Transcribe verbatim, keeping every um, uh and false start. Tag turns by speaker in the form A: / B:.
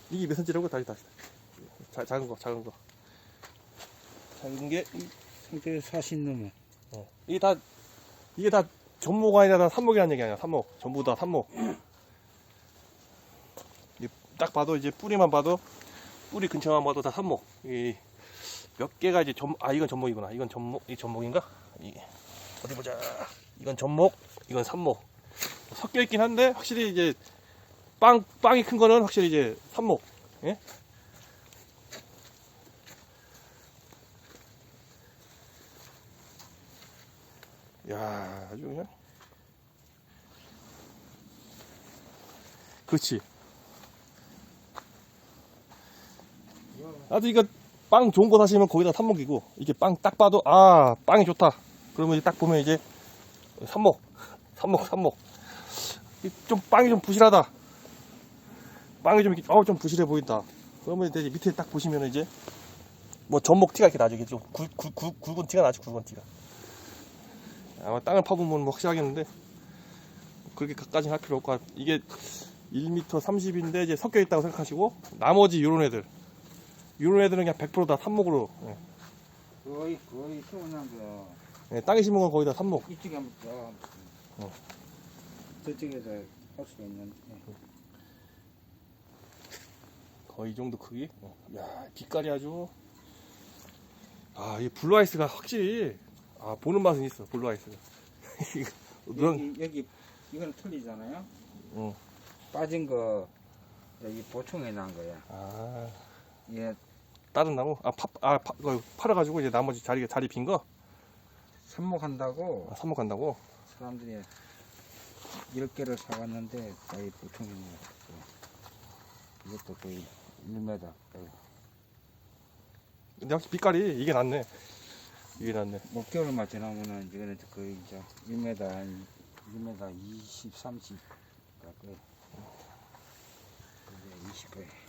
A: 이게 몇 센치라고? 다시 다시 자, 작은 거 작은 거 작은 게
B: 상태에 사십 넘어.
A: 어. 이게 다 이게 다 전목 아니라 다 삽목이라는 얘기 아니야. 삽목 전부 다 삽목. 딱 봐도 이제 뿌리만 봐도 뿌리 근처만 봐도 다 삽목. 이 몇 개가 이제 전, 아 이건 전목이구나. 이건 전목, 이 전목인가? 이 어디 보자. 이건 전목, 이건 삽목. 섞여 있긴 한데 확실히 이제 빵 빵이 큰 거는 확실히 이제 삽목. 예? 야, 아주 그냥. 그렇지. 아주 이거 빵 좋은 거 사시면 거기다 삽목이고, 이게 빵 딱 봐도 아 빵이 좋다. 그러면 이제 딱 보면 이제 삽목, 삽목, 삽목. 좀 빵이 좀 부실하다. 빵이 좀 이렇게 어좀 부실해 보인다. 그러면 이제 밑에 딱 보시면 이제 뭐 전목 티가 이렇게 나죠. 이게 좀 굵, 굵, 굵, 굵은 티가 나죠. 굵은 티가. 아마 땅을 파보면 뭐 확실하겠는데 그렇게 가까이 할 필요 없고, 이게 일 미터 삼십인데 이제 섞여 있다고 생각하시고, 나머지 요런 애들 요런 애들은 그냥 백 퍼센트 다 삽목으로. 예.
B: 거의 거의 태어난 거.
A: 예, 땅에 심은 건 거의 다 삽목.
B: 이쪽에 한번 더.
A: 어.
B: 저쪽에서 할 수가 있는데.
A: 거의 이 정도 크기. 어. 야, 빛깔이 아주. 아, 이 블루아이스가 확실히 아 보는 맛은 있어. 블루아이스가.
B: 여기 여기 이건 틀리잖아요.
A: 어.
B: 빠진 거 여기 보충해 난 거야.
A: 아,
B: 얘
A: 다른 나무? 아, 파, 아, 파, 그거 팔아가지고 이제 나머지 자리 자리 빈 거.
B: 삽목한다고
A: 아, 삽목한다고.
B: 사람들이 열 개를 사갔는데 거의 보충해 놨어. 이것도 거의 일 미터.
A: 근데 확실히 빛깔이 이게 낫네. 이게 낫네.
B: 몇 개월만 지나면은 이거는 거의 이제 일 미터 한 일 미터 이십, 삼십 가까이. 이제 이십 개.